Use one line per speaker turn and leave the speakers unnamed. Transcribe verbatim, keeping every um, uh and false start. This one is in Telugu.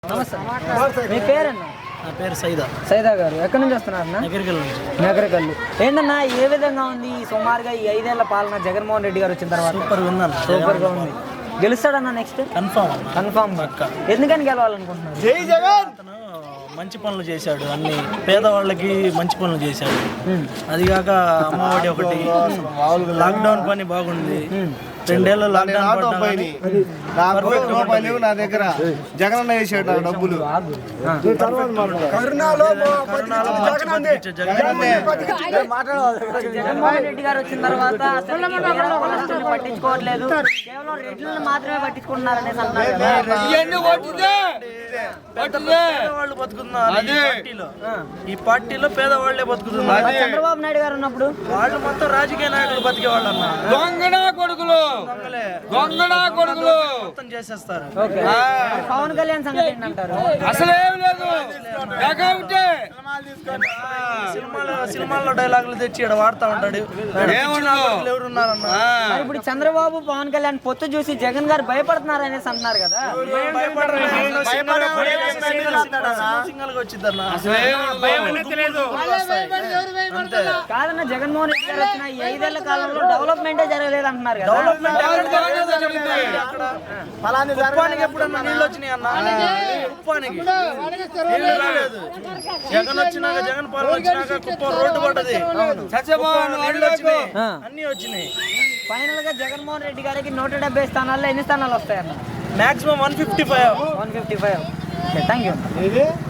నమస్తే, మీ పేరన్నా?
నా పేరు సైదా.
సైదా గారు ఎక్కడి నుంచి వస్తున్నారన్నా?
నగరికల్ నుంచి.
నగరికల్లు. ఏంటన్నా ఏ విధంగా ఉంది సుమారుగా ఈ ఐదేళ్ల పాలన జగన్మోహన్ రెడ్డి గారు వచ్చిన తర్వాత?
సూపర్ విన్నాను.
సూపర్ గా ఉంది. గెలుస్తాడన్నా నెక్స్ట్?
Confirm
confirm. ఎందుకని గెలవాలనుకుంటున్నారు?
జై జగన్. అతను మంచి పనులు చేశాడు, అన్ని పేదవాళ్ళకి మంచి పనులు చేశాడు. అదిగాక అమ్మఒడి ఒకటి, లాక్డౌన్ పని బాగుంది. రెండేళ్ళు లాక్డౌన్
నా దగ్గర జగన్ వేసాడు డబ్బులు.
జగన్మోహన్ రెడ్డి గారు వచ్చిన తర్వాత అసలు ఈ పేద కులస్తుల్ని పట్టించుకోవట్లేదు, కేవలం రెడ్లను మాత్రమే పట్టించుకుంటున్నారనేసి అన్నారు కదా.
పేదవాళ్ళు బతుకుతున్నారు ఈ పార్టీలో. ఈ పార్టీలో పేదవాళ్లే బతుకుతున్నారు.
చంద్రబాబు నాయుడు గారు ఉన్నప్పుడు
వాళ్ళు మొత్తం రాజకీయ నాయకులు బతికేవాళ్ళు అన్న.
దొంగనా కొడుకులు దొంగనా కొడుకులు
మొత్తం చేసేస్తారు.
పవన్ కళ్యాణ్ సంగతి ఏంటంటారు?
అసలేం లేదు.
సినిమాలో సినిమాల్లో డైలాగులు తెచ్చి ఇక్కడ వాడుతూ ఉంటాడు. ఎవరున్నారన్న?
మరి ఇప్పుడు చంద్రబాబు పవన్ కళ్యాణ్ పొత్తు చూసి జగన్ గారు భయపడుతున్నారు అనేసి అంటున్నారు కదా. కాదన్న, జగన్మోహన్ రెడ్డి గారు వచ్చిన ఈ ఐదేళ్ల కాలంలో డెవలప్మెంటే జరగలేదు అంటున్నారు కదా.
ఉప్పానికి ఎప్పుడన్నా నీళ్ళు వచ్చినాయి అన్న? ఉప్పానికి జగన్ వచ్చినాక, జగన్ పాలన వచ్చినాక కుప్పం రోడ్డు పడ్డది, నీళ్ళు వచ్చినాయి, అన్ని వచ్చినాయి.
ఫైనల్ గా జగన్మోహన్ రెడ్డి గారికి నూట డెబ్బై స్థానాల్లో ఎన్ని స్థానాలు వస్తాయన్న?
Maximum one fifty five
one fifty five thank you.